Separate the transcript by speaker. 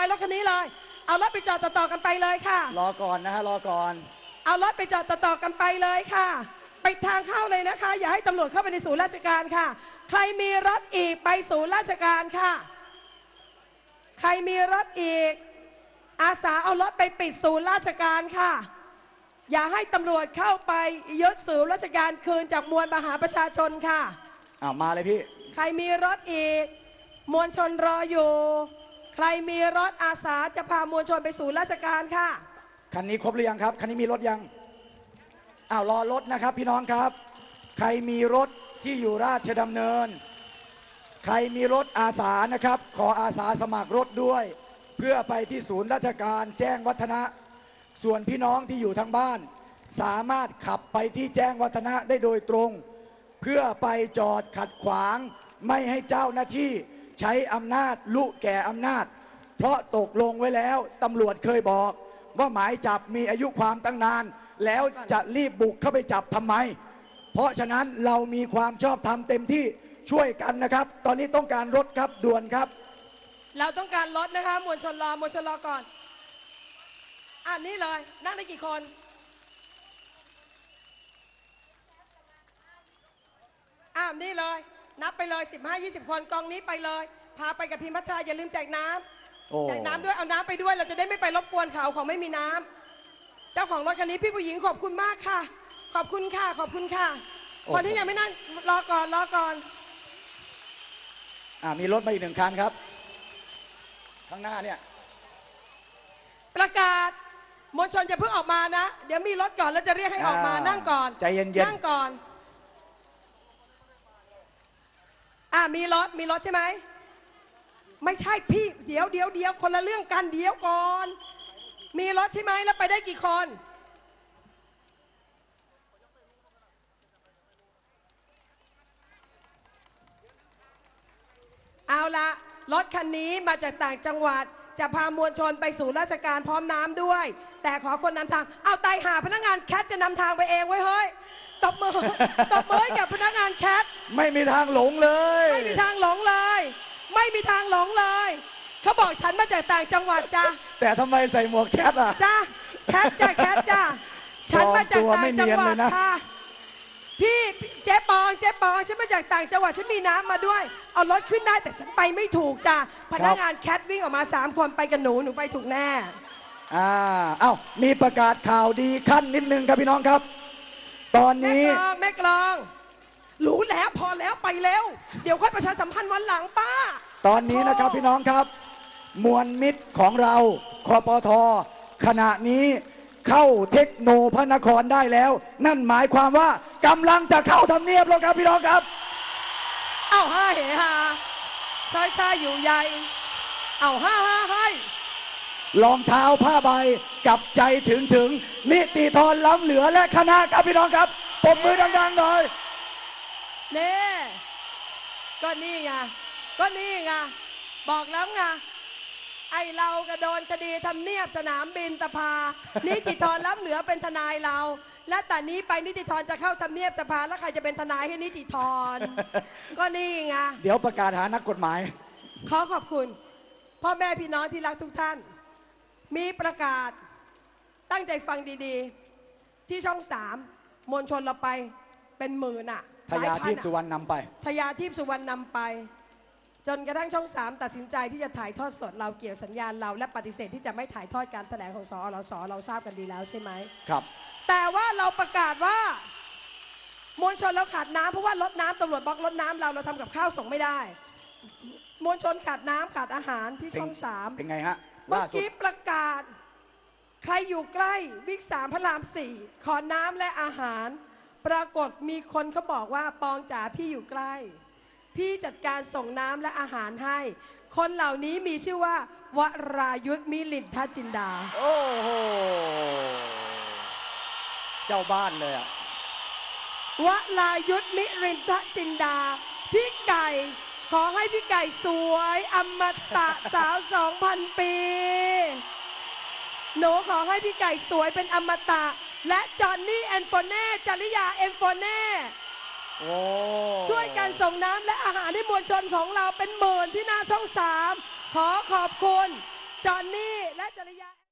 Speaker 1: รถคันนี้เลยเอารถไปจอดต่อๆกันไปเลยค่ะ
Speaker 2: รอก่อนนะฮะรอก่อน
Speaker 1: เอารถไปจอดต่อๆกันไปเลยค่ะไปทางเข้าเลยนะคะอย่าให้ตำรวจเข้าไปในศูนย์ราชการค่ะใครมีรถอีกไปศูนย์ราชการค่ะใครมีรถอีกอาสาเอารถไปปิดศูนย์ราชการค่ะอย่าให้ตำรวจเข้าไปยึดศูนย์ราชการคืนจากมวลมหาประชาชนค่ะ
Speaker 2: มาเลยพี่
Speaker 1: ใครมีรถอีกมวลชนรออยู่ใครมีรถอาสาจะพามวลชนไปศูนย์ราชการค่ะ
Speaker 2: คันนี้ครบหรือยังครับคันนี้มีรถยังรอรถนะครับพี่น้องครับใครมีรถที่อยู่ราชดำเนินใครมีรถอาสานะครับขออาสาสมัครรถด้วยเพื่อไปที่ศูนย์ราชการแจ้งวัฒนะส่วนพี่น้องที่อยู่ทางบ้านสามารถขับไปที่แจ้งวัฒนะได้โดยตรงเพื่อไปจอดขัดขวางไม่ให้เจ้าหน้าที่ใช้อำนาจลุแก่อำนาจเพราะตกลงไว้แล้วตำรวจเคยบอกว่าหมายจับมีอายุความตั้งนานแล้วจะรีบบุกเข้าไปจับทำไมเพราะฉะนั้นเรามีความชอบธรรมเต็มที่ช่วยกันนะครับตอนนี้ต้องการรถครับด่วนครับ
Speaker 1: เราต้องการรถนะคะมวลชนรอก่อนนี่เลยนั่งได้กี่คนนี่เลยนับไปเลย15-20 คนกองนี้ไปเลยพาไปกับพิมพ์พัทราอย่าลืมแจกน้ำแจกน้ำด้วยเอาน้ำไปด้วยเราจะได้ไม่ไปรบกวนเขาไม่มีน้ำเจ้าของรถคันนี้พี่ผู้หญิงขอบคุณมากค่ะขอบคุณค่ะขอบคุณค่ะคนที่ยังไม่นั่งรอก่อน
Speaker 2: มีรถมาอีก1 คันครับข้างหน้าเนี่ย
Speaker 1: ประกาศมวลชนจะเพิ่งออกมานะเดี๋ยวมีรถก่อนแล้วจะเรียกให้ออกมานั่งก่อน
Speaker 2: ใจเย็น
Speaker 1: นั่งก่อนมีรถใช่ไหมไม่ใช่พี่เดี๋ยวคนละเรื่องกันเดี๋ยวก่อนมีรถใช่ไหมแล้วไปได้กี่คนเอาละรถคันนี้มาจากต่างจังหวัดจะพามวลชนไปสู่ราชการพร้อมน้ำด้วยแต่ขอคนนำทางเอาตายหาพนักงานแคทจะนำทางไปเองไว้เฮ้ยตบมือกับพนักงานแคท
Speaker 2: ไม่มีทางหลงเลย
Speaker 1: ไม่มีทางหลงเลยไม่มีทางหลงเลยเขาบอกฉันมาจากต่างจังหวัดจ้ะ
Speaker 2: แต่ทำไมใส่หมวกแคท
Speaker 1: จ้ะแคทจ้ะฉันมาจากต่างจังหวัดค่ะพี่เจ๊ปองฉันมาจากต่างจังหวัดฉันมีน้ำมาด้วยเอารถขึ้นได้แต่ฉันไปไม่ถูกจ้ะพนักงานแคทวิ่งออกมา3 คนไปกับหนูไปถูกแน่
Speaker 2: มีประกาศข่าวดีขั้นนิดนึงครับพี่น้องครับตอนนี้
Speaker 1: แม่กลองรู้แล้วพอแล้วไปแล้วเดี๋ยวค่อยประชาสัมพันธ์วันหลังป้า
Speaker 2: ตอนนี้นะครับพี่น้องครับมวลมิตรของเราคปท.ขณะนี้เข้าเทคโนพระนครได้แล้วนั่นหมายความว่ากำลังจะเข้าทำเนียบแล้วครับพี่น้องครับ
Speaker 1: ห้าเฮฮาใช่อยู่ใหญ่ให้
Speaker 2: รองเท้าผ้าใบกับใจถึงนิติธรล้ำเหลือและคณะครับพี่น้องครับปรบมือดังๆหน่อย
Speaker 1: ก็นี่ไงบอกแล้วไงไอเราก็โดนคดีทำเนียบสนามบินสภานิติธรล้ำเหลือเป็นทนายเราและแต่นี้ไปนิติธรจะเข้าทำเนียบสภาแล้วใครจะเป็นทนายให้นิติธรก็นี่ไง
Speaker 2: เดี๋ยวประกาศหานักกฎหมาย
Speaker 1: ขอบคุณพ่อแม่พี่น้องที่รักทุกท่านมีประกาศตั้งใจฟังดีๆที่ช่อง3มวลชนเราไปเป็นหมื่น
Speaker 2: ทยาทิพย์สุวรรณนำไป
Speaker 1: จนกระทั่งช่อง3ตัดสินใจที่จะถ่ายทอดสดเราเกี่ยวสัญญาณเราและปฏิเสธที่จะไม่ถ่ายทอดการแถลงของสอสเราทราบกันดีแล้วใช่ไหม
Speaker 2: ครับ
Speaker 1: แต่ว่าเราประกาศว่ามวลชนเราขาดน้ำเพราะว่ารถน้ำตำรวจบล็อกรถน้ำเราทำกับข้าวส่งไม่ได้มวลชนขาดน้ำขาดอาหารที่ช่อง3
Speaker 2: เป็นไงฮะ
Speaker 1: เมื่อกี้ประกาศใครอยู่ใกล้วิก3พระราม4ขอน้ำและอาหารปรากฏมีคนเขาบอกว่าปองจ๋าพี่อยู่ใกล้พี่จัดการส่งน้ำและอาหารให้คนเหล่านี้มีชื่อว่าวรายุทธมิลินทจินดา
Speaker 2: โอ้โหเจ้าบ้านเล
Speaker 1: ยวรายุทธมิลินทจินดาพี่ไก่ขอให้พี่ไก่สวยอมตะสาว 2,000 ปีหนูขอให้พี่ไก่สวยเป็นอมตะและจอนนี่แอนโฟเน่จริยาแอนโฟเน่ช่วยกันส่งน้ำและอาหารให้มวลชนของเราเป็นหมื่นที่หน้าช่อง3ขอขอบคุณจอนนี่และจริยา